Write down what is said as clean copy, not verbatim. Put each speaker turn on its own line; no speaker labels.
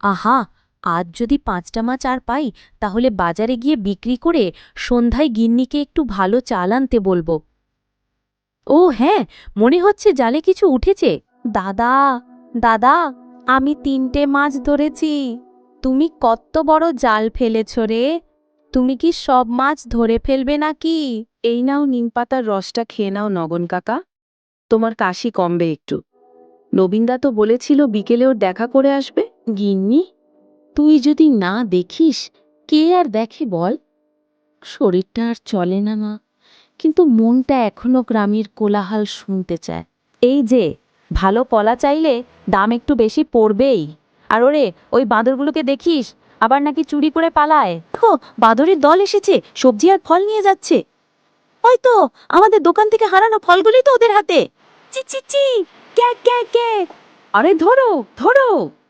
আহা, আজ যদি ৫টা মাছ আর পাই তাহলে বাজারে গিয়ে বিক্রি করে সন্ধ্যায় গিন্নিকে একটু ভালো চাল আনতে বলবো। ও হ্যাঁ, মনে হচ্ছে জালে কিছু উঠেছে। দাদা, দাদা, আমি ৩টে মাছ ধরেছি। তুমি কত বড় জাল ফেলেছ রে? তুমি কি সব মাছ ধরে ফেলবে নাকি?
এই নাও নিমপাতার রসটা খেয়ে নাও নগন কাকা, তোমার কাশি কমবে একটু। নবীনদা তো বলেছিল বিকেলে ওর দেখা করে আসবে।
গিন্নি, তুই যদি না দেখিস কে আর দেখে বল? শরীরটা আর চলে না মা, কিন্তু মনটা এখনো গ্রামের কোলাহল শুনতে চায়। এই যে, ভালো কলা চাইলে দাম একটু বেশি পড়বেই। আর ওরে, ওই বাঁদরগুলোকে দেখিস, আবার নাকি চুরি করে পালায়। দেখো, বাঁদরের দল এসেছে, সবজি আর ফল নিয়ে যাচ্ছে। ওই তো, আমাদের দোকান থেকে হারানো ফলগুলি তো ওদের হাতে। চি চি চি, কে কে কে?
আরে ধরো ধরো!